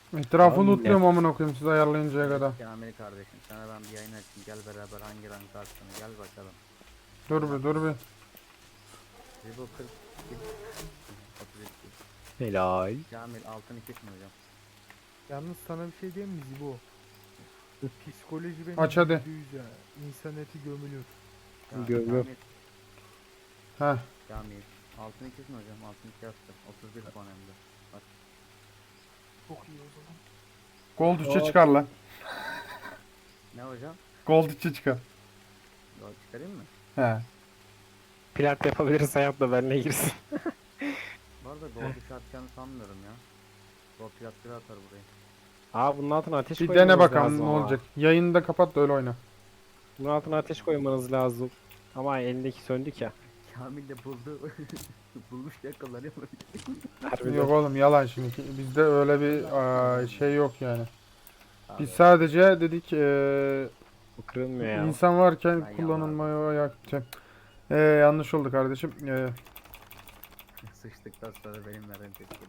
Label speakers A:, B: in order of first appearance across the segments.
A: Etrafı
B: Abi
A: lootluyorum amına koyayım siz ayarlayıncaya kadar.
C: Kamil kardeşim sana ben bir yayın açayım. Gel beraber hangi rank atsın. Gel bakalım.
A: Dur bir.
C: Zibo 40 kill. 33 kill.
B: Helal.
C: Kamil altın 2 hocam.
D: Yalnız sana bir şey diyeyim mi Zibo? Psikoloji benim
A: Aç hadi.
D: %100 ya. İnsan eti gömülür.
B: Gör.
C: Kamil.
A: Heh.
C: Kamil. Altın 2 hocam. Altın 2 attı. 31 puan hem de. Bak.
D: Çok iyi o zaman.
A: Gold 3'e çıkar lan.
C: Ne hocam?
A: Gold 3'e çıkar.
C: Gol çıkarayım mı?
A: He.
B: Plat yapabilirse yap da benimle girsin.
C: Bu arada gol dışı atacağını sanmıyorum ya. Gol plat bir atar burayı.
B: Bunun altına ateş
A: Bir
B: koymanız
A: dene bakalım
B: lazım
A: ne
B: ama.
A: olacak. Yayını da kapat da öyle oyna.
B: Bunun altına ateş koymanız lazım. Ama elindeki söndük ya.
C: Kamil de buldu. Bulmuş yakalanıyor.
B: Harbiden.
A: Yok oğlum yalan şimdi. Bizde öyle bir şey yok yani.
C: Abi,
A: Biz sadece dedik
B: Bu kırılmıyor ya.
A: insan varken
C: Ben
A: kullanılmaya yanlış oldu kardeşim.
C: sıçtıktan sonra benim veren tepki.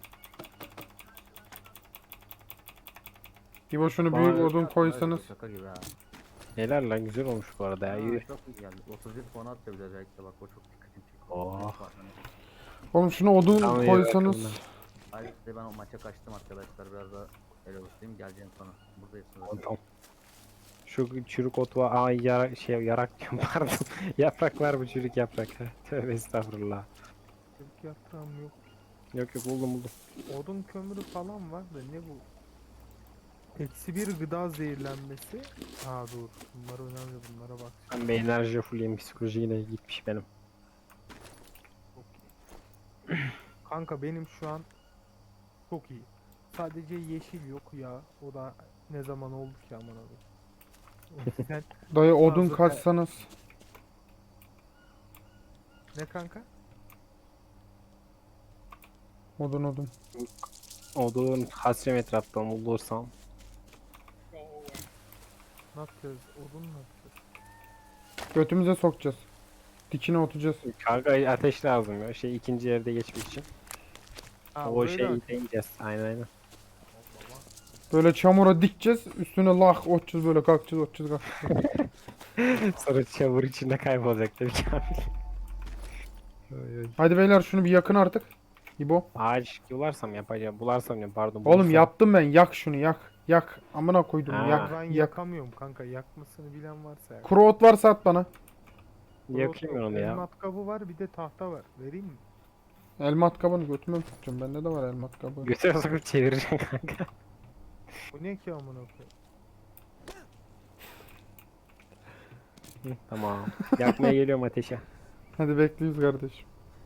A: İbo şunu
B: Bana-
A: büyük odun koysanız.
C: Şaka gibi ha.
B: Helal lan, güzel olmuş bu arada ya. Yürü.
C: Çok iyi geldi. 31 puan attı bir de özellikle bak o çok dikkatimi çekti.
B: Oh.
A: Oğlum şunu odun
B: Tamam, iyi
A: koysanız.
B: bakalım.
C: Hayır işte ben o maça kaçtım arkadaşlar biraz da el oluşturayım geleceğim sonra. Buradayız sonra.
B: Tamam. Şu çürük ot var. Yarak diyorum pardon. Yaprak var bu çürük yaprak. Tövbe estağfurullah.
D: Türk yaprağım yok.
B: Yok buldum.
D: Odun kömürü falan var da ne bu? -1 gıda zehirlenmesi. Dur. Bunlar önemli, bunlara bak.
B: Ben bir enerji fulleyim, psikoloji yine gitmiş benim.
D: Çok iyi. Kanka benim şu an çok iyi. Sadece yeşil yok ya. O da ne zaman oldu ki aman abi. Sen
A: Dayı odun
D: Fazla-
A: kaçsanız.
D: ne kanka?
A: Odun.
B: Odun hasrem etraftan bulursam.
D: Ne yapacağız? Odun ne yapacağız?
A: Götümüze sokacağız. Dikine oturacağız.
B: Kanka ateş lazım ya. İkinci yerde geçmek için. O
D: burayı da
B: şeyi
D: aç.
B: deneyeceğiz. Aynen.
A: Böyle çamura dikeceğiz. Üstüne lah otacağız böyle kalkacağız.
B: Sonra çamur içinde kaybolacak tabii Kamil. Oy, oy.
A: Hadi beyler şunu bir yakın artık. İbo.
B: Ağaç bularsam yapacağım. Pardon.
A: Oğlum
B: bulursam.
A: yaptım ben. Yak şunu yak. Yak. Amına koydum.
B: Ha.
A: Yak.
D: Ben
A: Yak.
D: yakamıyorum kanka. Yakmasını bilen varsa yak.
A: Kuru ot varsa at bana.
B: Yakayım ben onu
D: El
B: ya.
D: matkabı var, bir de tahta var. Vereyim mi?
A: El matkabını götüme mi tutacağım? Bende de var el matkabı.
B: Götüre sokup çevireceğim kanka.
D: Bu ne ki amına koyayım?
B: Hı, tamam. Yakmaya geliyorum ateşe.
A: Hadi bekliyoruz kardeşim.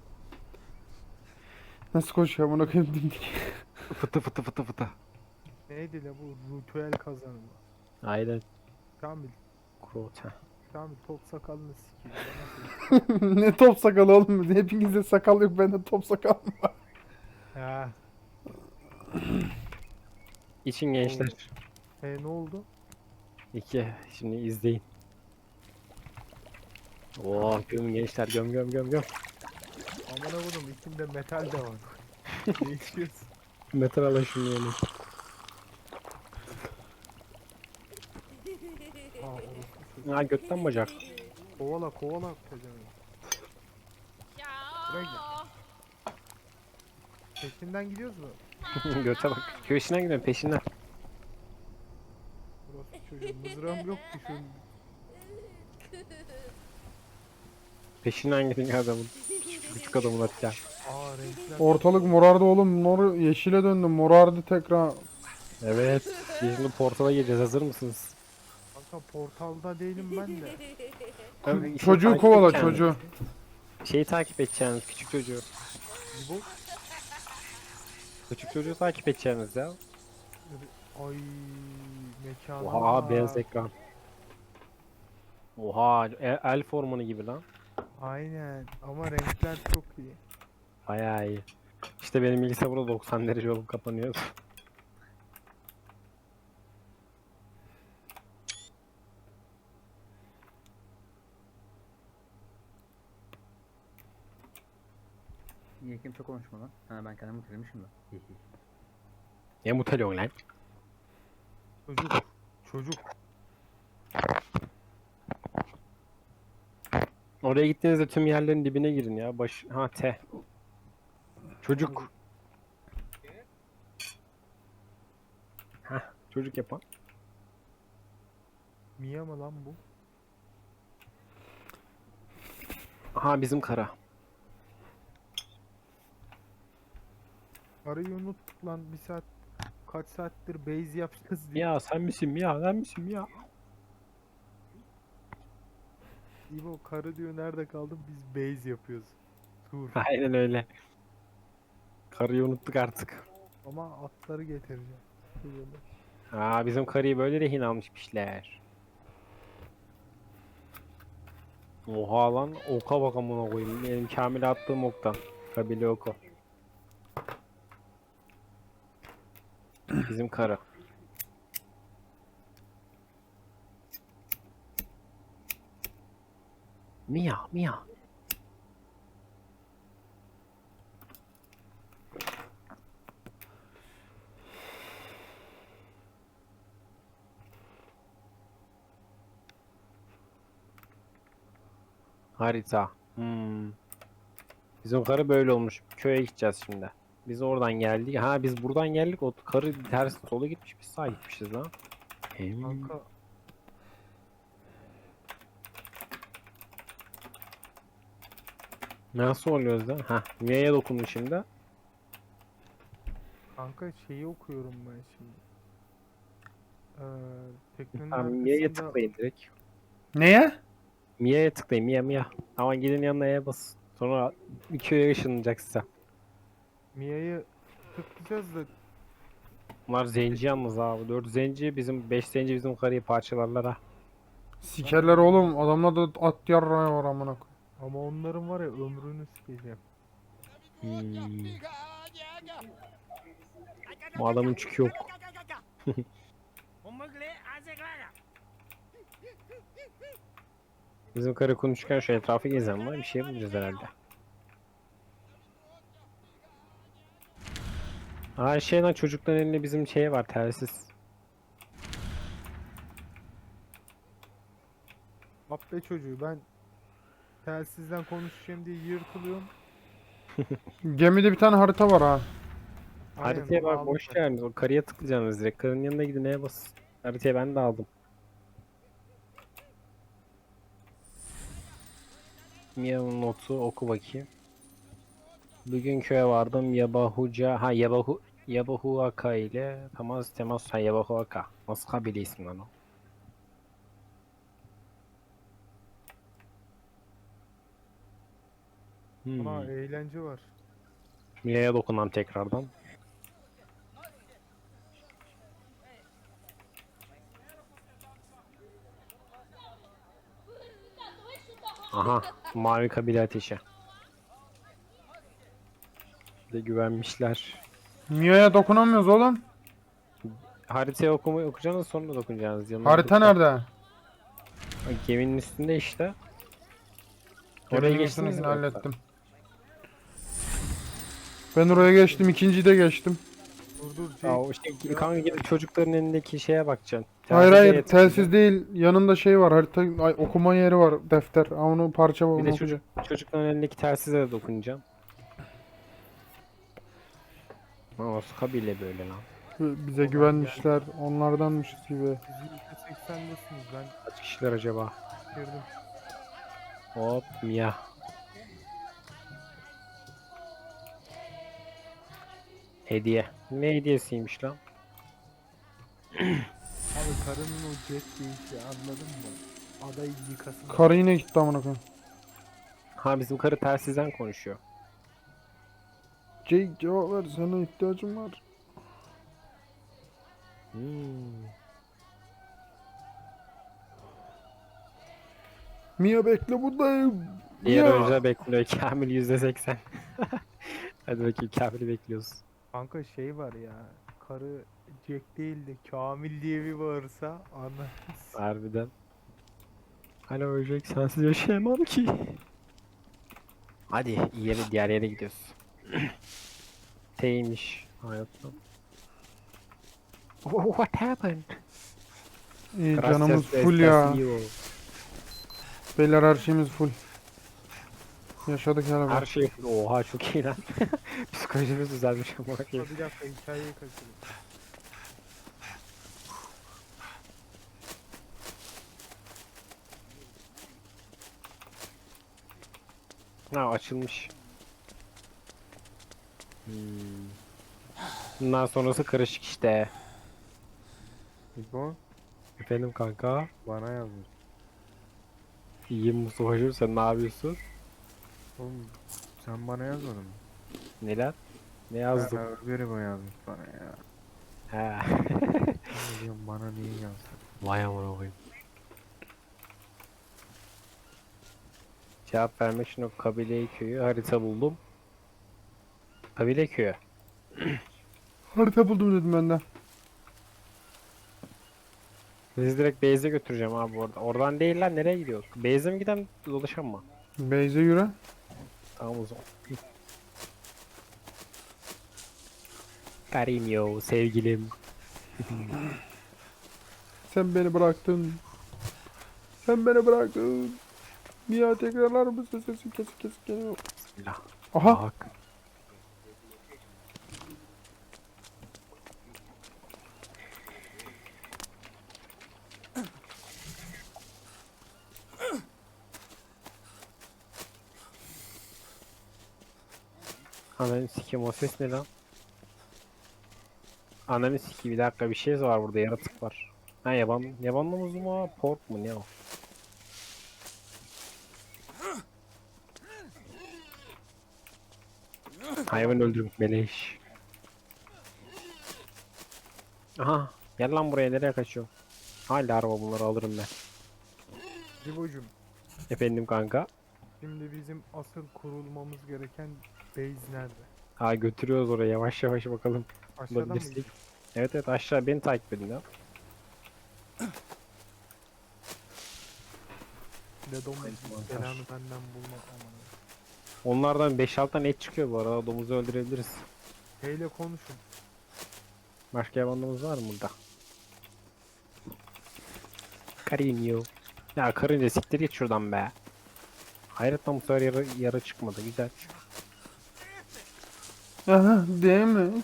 A: Nasıl koşuyor amına koyayım dimdik.
B: Fıtı.
D: Neydi la bu ritüel kazanımı?
B: Aynen.
D: Kamil,
B: Kurot.
D: Kamil top sakalını sikeyim.
A: Ne top sakalı oğlum. Hepinizde sakal yok. Bende top sakal var.
D: Ha.
B: İçin gençler.
D: Ne oldu?
B: 2. Şimdi izleyin. Oo göm gençler göm.
D: Amına koydum, içinde metal de var. Ne içiyorsun?
B: Metal alın şunu yani.
D: Orospu.
B: Götten bacak.
D: Kovala pezevenk. Buraya gel. Peşinden gidiyoruz mu?
B: Göte bak. Köşesinden gidiyorum peşinden.
D: Orospu çocuğu, mızrağım yok ki şu.
B: Peşinden gidin adamın. Küçük adamın atacağım.
D: Renkler.
A: Ortalık morardı oğlum. Mor yeşile döndü. Morardı tekrar.
B: Evet. Şimdi portala gireceğiz. Hazır mısınız?
D: Kanka portalda değilim ben de.
A: Çocuğu
B: takip
A: kovala
B: edeceğiniz.
A: çocuğu.
B: Şeyi takip edeceğiniz. Küçük çocuğu.
D: Bu.
B: Küçük çocuğu takip edeceğiniz ya.
D: Ay mekana
B: Oha
D: bak.
B: beyaz ekran. Oha elf ormanı gibi lan.
D: Aynen ama renkler çok iyi.
B: Bayağı iyi. İşte benim bilgisayar burada 90 derece olup kapanıyor.
C: Niye kimse konuşma lan? Ha ben kendimi bitirmişim de.
B: Ne muteliyorsun lan?
D: Çocuk. Çocuk.
B: Oraya gittiğinizde tüm yerlerin dibine girin ya. Ha T. Çocuk. Heh, çocuk yapan.
D: Mia mı lan bu?
B: Aha bizim kara.
D: Arayı unuttuk lan bir saat. Kaç saattir base yapacağız diye.
B: Ya sen misin Mia? Sen misin Mia?
D: İbo karı diyor nerede kaldın? Biz base yapıyoruz. Tur.
B: Aynen öyle. Karıyı unuttuk artık.
D: Ama atları getireceğim. Diyorlar.
B: Aa bizim karıyı böyle rehin almışmışlar. Oha lan oka bak amına koyayım. Benim Kamil'e attığım oktan. Kabile oku. Bizim karı. Mia, Mia. Harita. Bizim karı böyle olmuş. Köye gideceğiz şimdi. Biz oradan geldik. Ha biz buradan geldik. O karı ters sola gitmiş. Biz sağa gitmişiz lan.
D: Kanka
B: Nasıl oluyoruz lan? Ha, Mia'ya dokundum şimdi.
D: Kanka şeyi okuyorum ben şimdi. Teknenin
B: Tamam Mia'ya
D: arkasında
B: tıklayın direkt.
A: Neye?
B: Mia'ya tıklayın. Mia. Ama gidin yanına E'ye bas. Sonra bir köye ışınlanacak size.
D: Mia'yı tıklayacağız da
B: Bunlar zenci yalnız abi. 4 zenci bizim 5 zenci bizim karıyı parçalarlar ha.
A: Sikerler oğlum. Adamlar da at yarrağı var amına koyayım.
D: ama onların var ya ömrünü sikeceğim.
B: Bu adamın çükü yok. Bizim karı konuşurken şu etrafı gezen var. Bir şey bulacağız herhalde. Aa şey lan çocukların elinde bizim şey var telsiz.
D: Abbe çocuğu ben telsizden konuşacağım diye yırtılıyorum.
A: Gemide bir tane harita var ha.
B: Haritaya
D: bunu
B: bak
D: aldım
B: boş
D: ben.
B: yeriniz. O karıya tıklayacaksınız direkt. Karının yanına gidin neye basın. Haritayı ben de aldım. Mia'nın notu oku bakayım. Bugün köye vardım Yabahuca. Ha Yabahuaka ile temas. Ha Yabahuaka. Nasıl kabile ismi lan o?
D: Buna eğlence var.
B: Mia'ya dokunam tekrardan. Aha mavi kabile ateşi. Bir de güvenmişler.
A: Mia'ya dokunamıyoruz oğlum.
B: Haritayı okuyacaksınız sonra dokunacaksınız. Yanına
A: Harita
B: dokun.
A: nerede?
B: Geminin üstünde işte. Oraya
A: Geminin
B: geçtiniz mi?
A: üstündekini
B: yoksa?
A: hallettim. Ben oraya geçtim. İkinciyi de geçtim.
D: Dur
B: Ya o işte kanka gidip çocukların elindeki şeye bakacaksın.
A: Hayır
B: Telsize
A: hayır
B: yetişeceksin.
A: telsiz değil. Yanında şey var. Harita okuma yeri var. Defter. Ha, onu parça var.
B: Bir
A: Onu
B: de
A: okuyacağım.
B: çocukların elindeki telsize de dokunacaksın. Nasıl kabile böyle lan?
A: Bize güvenmişler. Onlardanmışız gibi.
D: Siz %80'desiniz ben
B: Kaç kişiler acaba?
D: girdim.
B: Hop Mia. Hediye. Ne hediyesiymiş lan?
D: Abi karının o jet değişi anladın mı? Adayı yıkasın.
A: Karı yine gitti amına koyayım.
B: Ha bizim karı telsizden konuşuyor.
A: Jake cevap ver. Sana ihtiyacım var. Mia bekle buradayım.
B: Diğer
A: Mia.
B: oyuncular bekliyor. Kamil %80. Hadi bakayım Kamil'i bekliyoruz.
D: Kanka şey var ya. Karı Jack değil de Kamil diye bir bağırsa anlarız.
B: Harbiden. Alo Öcek sensiz yaşayamam ki. Hadi diğer yere gidiyoruz. T'ymiş hayatım. What happened?
A: İyi
B: Gracias,
A: canımız full ya.
B: Estacio.
A: Beyler her şeyimiz full. Yaşadık hele
B: Her
A: bak.
B: şey oha çok iyi lan. Psikolojimiz düzelmiş ama
D: Ha,
B: bakayım.
D: bir dakika hikayeyi kaçırdım.
B: Ha açılmış. Bundan sonrası karışık işte.
E: İbo
B: Efendim kanka.
E: bana yazmış.
B: İyiyim Mustafa'cığım, sen ne yapıyorsun?
E: Oğlum sen bana yazmadın mı?
B: Neler? Ne
E: Ha,
B: yazdım?
E: öbürü bu yazmış bana ya.
B: He.
E: Ne diyorum bana niye yazdın?
B: Vay amına koyayım. Cevap vermek için o kabile köyü harita buldum. Kabile köyü.
A: Harita buldum dedim ben de.
B: Sizi direkt base'e götüreceğim abi orada. Oradan değil lan, nereye gidiyor? Base'e mi giden dolaşan mı?
A: Beyze yürü.
B: Tamam o zaman. Carinho, sevgilim.
A: Sen beni bıraktın. Sen beni bıraktın. Niye tekrarlar mısın? Sesin kesik kesik geliyor.
B: Bismillah.
A: Aha.
B: Bak. Ananı sikeyim, o ses ne lan? Ananı sikeyim, bir dakika, bir şey var burada, yaratık var. Ha yaban domuzu mu o? Pork mu ne o? Hayvan öldürmek beleş. Aha, gel lan buraya, nereye kaçıyor? Hala araba, bunları alırım ben.
D: Cibo'cum,
B: Efendim kanka.
D: şimdi bizim asıl kurulmamız gereken base nerede?
B: Ha götürüyoruz oraya, yavaş yavaş bakalım.
D: Aşağıdan mı
B: Bulabilirsek.
D: gidiyor?
B: Evet evet, aşağı beni takip edin ya.
D: Ledon
B: mantar.
D: belanı benden bulma aman.
B: Onlardan 5-6 tane et çıkıyor bu arada, domuzu öldürebiliriz.
D: Heyle konuşun.
B: Başka yabanımız var mı burada? Carinho. Ya karınca siktir git şuradan be. Hayret lan, bu sefer yarı çıkmadı, güzel.
A: Aha damage.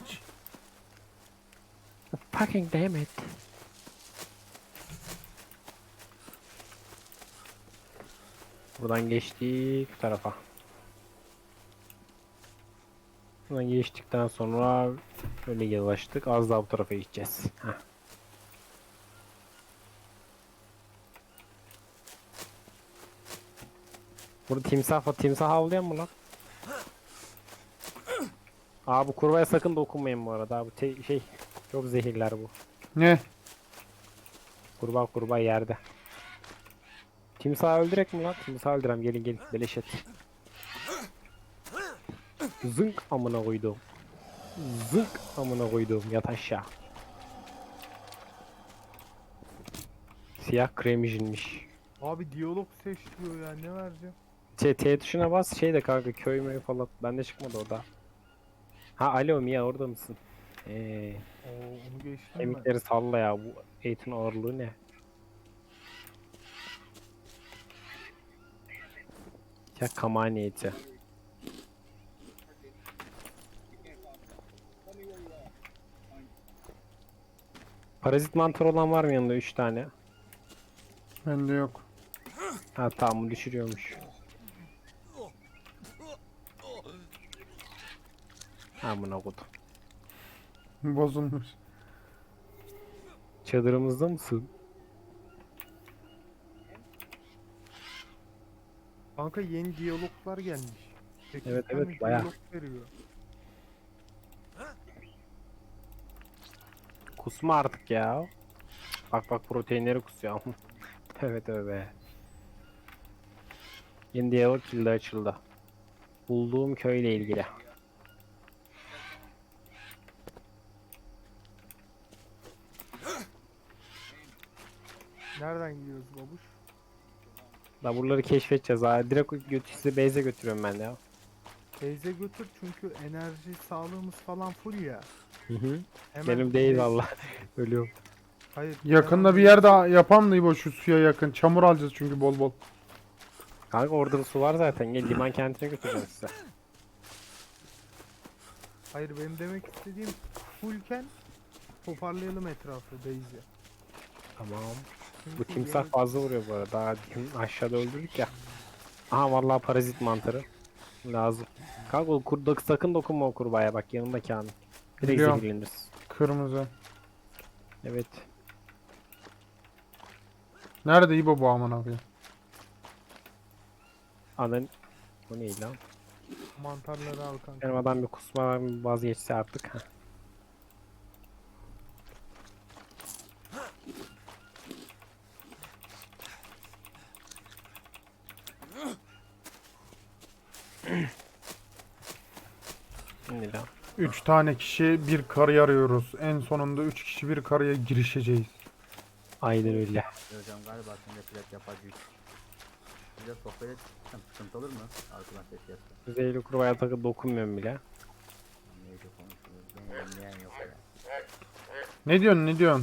B: Fucking damn it. Buradan geçtik bu tarafa. Buradan geçtikten sonra şöyle yavaştık. Az daha bu tarafa gideceğiz. Heh. Burada timsah havlayan mı lan? Aa, bu kurbağaya sakın dokunmayın bu arada. Bu çok zehirler bu.
A: Ne?
B: Kurbağa yerde. Timsahı öldürek mi lan? Timsahı öldürem, gelin beleş et. Zınk amına koydum. Zınk amına koydum, yat aşağı. Siyah kremijinmiş.
D: Abi diyalog seç diyor ya, ne vereceğim?
B: T tuşuna bas, de kanka, köy mü falan. Bende çıkmadı o da. Ha alo Mia, orada mısın?
D: Oo, onu geçtim ben.
B: Kemikleri salla ya, bu eğitim ağırlığı ne? Ya kamani eti. Parazit mantar olan var mı yanında, 3 tane?
A: Bende yok.
B: Ha tamam, bu düşürüyormuş. Amına kodum.
A: Bozulmuş.
B: Çadırımızda mısın?
D: Kanka yeni diyaloglar gelmiş. 8
B: Evet,
D: tane
B: evet, bayağı.
D: diyalog veriyor.
B: Kusma artık ya. Bak proteinleri kusuyor. Evet be. Yeni diyalog kilde açıldı. Bulduğum köyle ilgili.
D: Nereden gidiyoruz babuş?
B: Da buraları keşfedeceğiz ha. Direkt sizi base'e götürüyorum ben de ya.
D: Base'e götür çünkü enerji sağlığımız falan full ya.
B: Hı hı.
D: Hemen
B: Benim değil
D: direkt-
B: valla. Ölüyorum.
D: Hayır.
A: Yakında
D: hemen
A: bir yerde yapam da İbo şu suya yakın. Çamur alacağız çünkü bol bol.
B: Kanka orada da su var zaten. Gel liman kentine götüreceğim size.
D: Hayır, benim demek istediğim fullken toparlayalım etrafı base'i.
B: Tamam. Bu
D: Çünkü
B: timsah
D: yeni-
B: fazla vuruyor bu arada. Daha aşağıda öldürdük ya. Aha vallahi parazit mantarı. Lazım. Kanka o sakın dokunma o kurbağaya bak yanında Kamil. Direkt
A: Biliyorum.
B: zehirleniriz.
A: Kırmızı.
B: Evet.
A: Nerede İbo bu aman abi?
B: Anan... Bu ne lan?
D: mantarları al kanka.
B: Benim adam bir kusma bir vazgeçse artık. Heh. Ne lan?
A: 3 tane kişi bir karı arıyoruz. En sonunda 3 kişi bir karıya girişeceğiz.
B: Aynen öyle.
C: Hocam galiba şimdi plak yapacak. Bize sohbet etsem sıkıntı olur mu? Arkadan ses yapsa.
B: Zehirli kurbağaya takı dokunmuyorum bile.
C: Neyse konuşuyoruz. Beni dinleyen yok ya.
A: Ne diyorsun ne diyorsun?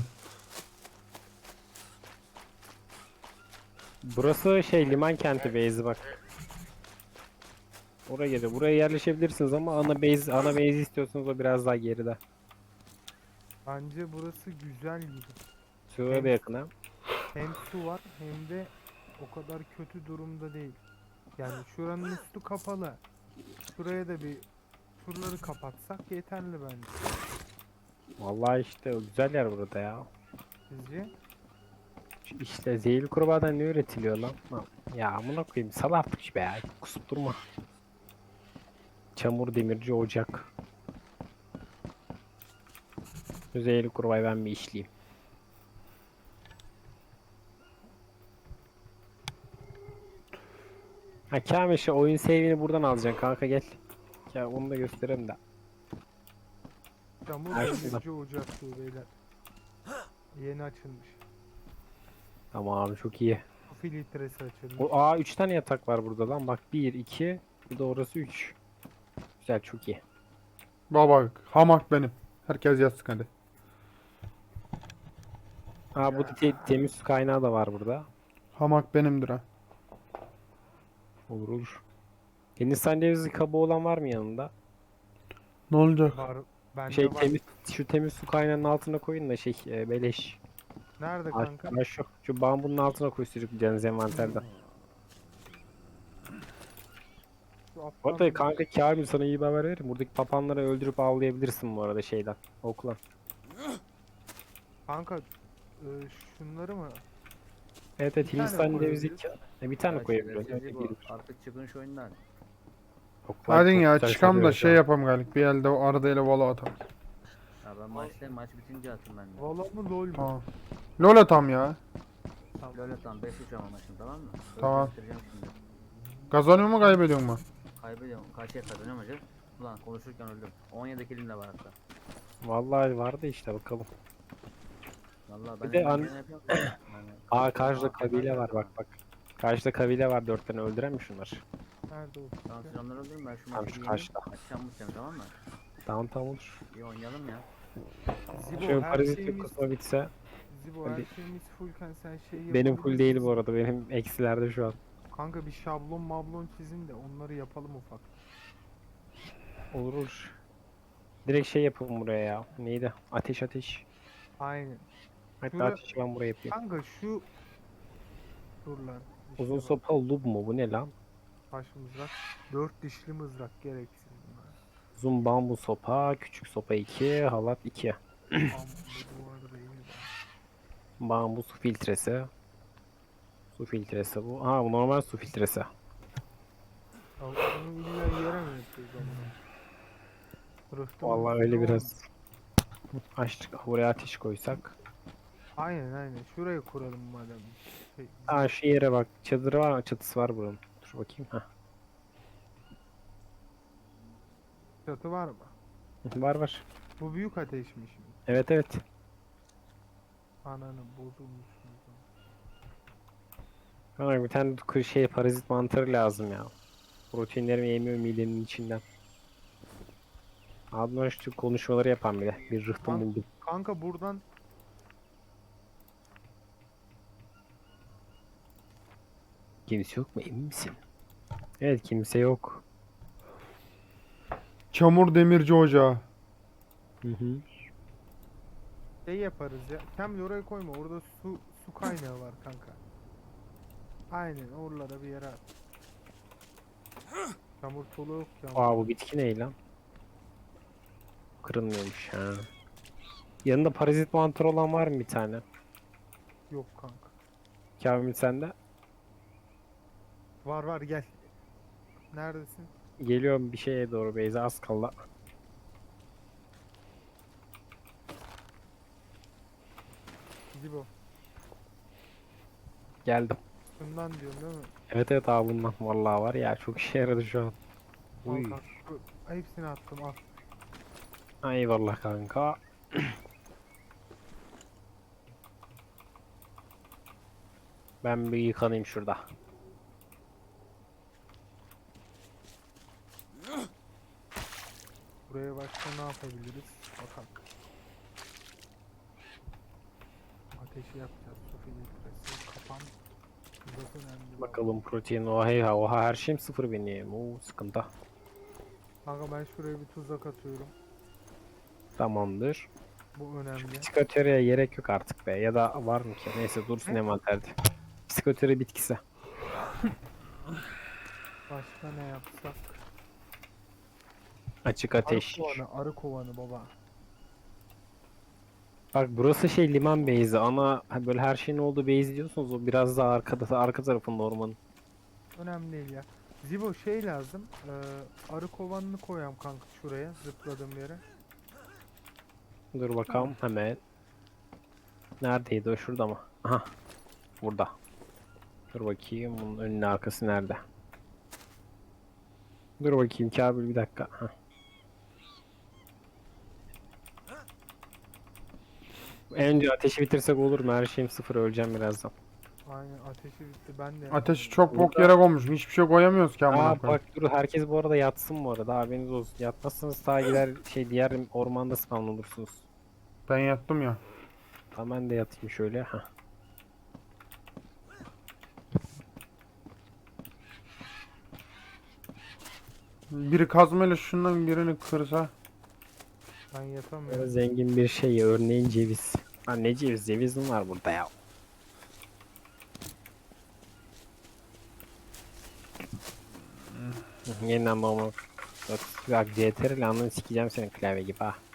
B: Burası şey liman kenti base'i bak. Oraya geliyor. Buraya yerleşebilirsiniz ama ana base istiyorsanız o biraz daha geride.
D: Bence burası güzel gibi.
B: Suya da yakın ha.
D: Hem su var hem de o kadar kötü durumda değil. Yani şuranın üstü kapalı. Şuraya da bir şuraları kapatsak yeterli bence.
B: Vallahi işte o güzel yer burada ya.
D: Sizce?
B: İşte zehirli kurbağadan ne üretiliyor lan? Ya amına koyayım sal artık şu be ya. Kusup durma. Çamur demirci ocak. Şu zehirli kurbağayı ben bir işleyeyim. Ha Kamil şu oyun save'ini buradan alacaksın kanka gel. Ya onu da göstereyim de.
D: Çamur
B: Ay,
D: demirci ocaklığı beyler. Yeni açılmış.
B: Tamam çok iyi.
D: Su filtresi açılmış.
B: O 3 tane yatak var burada lan. Bak 1 2 bir de orası 3. Güzel çok iyi.
A: Baba hamak benim. Herkes yatsın hadi.
B: Bu temiz su kaynağı da var burada.
A: Hamak benimdir ha.
B: Olur olur. Hindistan cevizi kabuğu olan var mı yanında?
A: Ne olacak?
D: Var. Bende
B: Şey
D: var.
B: şu temiz su kaynağının altına koyun da beleş.
D: Nerede kanka?
B: Şu bambunun altına koy sürükleyeceğiniz envanterden.
D: Şu
B: Bu
D: alttan
B: arada
D: bir-
B: kanka Kamil sana iyi bir haber veririm. Buradaki papanları öldürüp avlayabilirsin bu arada şeyden. Okla.
D: Kanka şunları mı?
B: Evet
D: Bir tane
B: Hindistan cevizi
D: koyabiliriz.
B: bir tane
C: Ya
B: koyabiliyorsun.
C: şerefsizlik
B: Evet,
C: bu.
B: bir-
C: Artık çıkın şu oyundan.
B: oklar
A: Hadi
B: çok
A: ya
B: güzel
A: çıkam da
B: sarıyor şu
A: şey
B: an.
A: yapam galik. Bir elde o arada ile vola atam.
C: Ya ben maç bitince atayım ben de.
D: Valla mı lol mu?
A: Tamam. Lol atam ya.
C: Böyle tamam 5-3 ama maçın tamam mı? Öyle
A: Tamam.
C: göstereceğim şimdi.
A: Kazanıyor mu kaybediyor mu?
C: Kaybediyorum. Kaçıya kazanıyorum hocam. Ulan konuşurken öldüm. 17 kilim de var hatta.
B: Vallahi vardı işte bakalım.
C: Vallahi
B: Bir
C: ben
B: de
C: elimden
B: an-
C: geleni yapıyorum. Yani,
B: Karşıda
C: Aa,
B: kabile var bak bak. Karşıda kabile var 4 tane öldüren mi şunlar?
D: Nerede o?
C: Tamam siz onları öldürün ben şu
B: Tamam,
C: maçı
B: şu
C: bir yeneyim.
B: karşıda.
C: Akşam mutlayalım tamam mı?
B: Tamam olur.
C: İyi oynayalım ya.
D: Zibo
B: Şu
D: her
B: parazit
D: şeyimiz
B: kısmı bitse.
D: Zibo her
B: Hadi.
D: şeyimiz fullken sen şey
B: Benim full
D: yapabilir
B: değil
D: misin?
B: bu arada. Benim eksilerde şu an.
D: Kanka bir şablon mablon çizin de onları yapalım ufak.
B: Olur olur. Direkt şey yapalım buraya ya. Neydi? Ateş.
D: Aynen.
B: Hatta
D: Şura-
B: ateşi ben buraya yapayım.
D: Kanka şu dur lan. İşte
B: Uzun
D: bak,
B: sopa lub mu? Bu ne lan?
D: taş mızrak. 4 dişli mızrak gereksiz bunlar.
B: Uzun bambu sopa, küçük sopa 2, halat 2.
D: Amma bu duvar değil mi?
B: Bambu su filtresi. Su filtresi bu. Bu normal su filtresi.
D: Ya bunu illa yere mi yapıyoruz ama?
B: Vallahi öyle biraz. Açtık. Buraya ateş koysak.
D: Aynen şurayı kuralım madem. Şey,
B: Şu yere bak. Çadırı var, çatısı var buranın. Dur bakayım.
D: çatı var mı?
B: Var.
D: Bu büyük ateşmiş mi?
B: Evet.
D: Ananı bozulmuşsunuz.
B: Bana bir tane parazit mantarı lazım ya. Proteinlerimi yemiyor midenin içinden. Adnan şu konuşmaları yapan bile. Bir rıhtım
D: Lan-
B: buldum.
D: Kanka buradan
B: Kimse yok mu, emin misin? Evet, kimse yok.
A: Çamur demirci ocağı.
B: Hı hı.
D: şey yaparız ya. Kamil oraya koyma. Orada su kaynağı var kanka. Aynen oralara bir yere at. Çamur tolu yok ya.
B: Aa, bu bitki ne lan? Kırılmıyormuş ha. Yanında parazit mantar olan var mı bir tane?
D: Yok kanka.
B: Kamil sende.
D: Var var gel. Neredesin?
B: Geliyorum bir şeye doğru Beyza, az kaldı.
D: Zibo.
B: Geldim.
D: Şundan diyorsun değil mi?
B: Evet evet abi, bundan vallahi var ya, çok işe yaradı şu an.
D: Al
B: Uy.
D: kanka. Hepsini attım al.
B: Eyvallah kanka. Ben bir yıkanayım şurada.
D: Buraya başka ne yapabiliriz? Bakalım. Ateşi yapacağız. Su filtresi, kapan. Çok önemli.
B: Bakalım protein, oha her şeyim sıfır benim. Oo, sıkıntı.
D: Kanka ben şuraya bir tuzak atıyorum.
B: Tamamdır.
D: Bu önemli.
B: Psikoteriye gerek yok artık be. Ya da var mı ki? Neyse, dursun
D: Ne?
B: envanterde. Psikoteri bitkisi.
D: Başka ne yapsak?
B: Açık
D: Arı
B: ateş.
D: kovanı, arı kovanı baba.
B: Bak burası şey, liman base'i. Ana böyle her şeyin olduğu base diyorsunuz. O biraz daha arkada, arka tarafında ormanın.
D: Önemli değil ya. Zibo şey lazım. Arı kovanını koyam kanka şuraya zıpladığım yere.
B: Dur bakalım hemen. Neredeydi o, şurada mı? Aha. Burada. Dur bakayım, bunun önüne arkası nerede? Dur bakayım Kabil, bir dakika. Hah. Önce ateşi bitirsek olur mu? Her şeyim sıfır, öleceğim birazdan.
D: Aynen ateşi bitti ben de.
A: Ateşi çok bok yere koymuşum. Hiçbir şey koyamıyoruz ki amına
B: Aa
A: koyayım.
B: bak, dur, herkes bu arada yatsın bu arada, haberiniz olsun. Yatmazsanız ta gider şey, diğer ormanda spawn olursunuz.
A: Ben yattım ya.
B: Tamam, ben de yatayım şöyle. Hah.
A: Biri kazmayla şundan birini kırsa.
D: Ben
B: Böyle
D: yatamıyorum.
B: zengin bir şey, örneğin ceviz. Ha, ne ceviz? Ceviz mi var burada ya? Yeniden normal. Bak CTRL anını sikeceğim senin klavye gibi ha.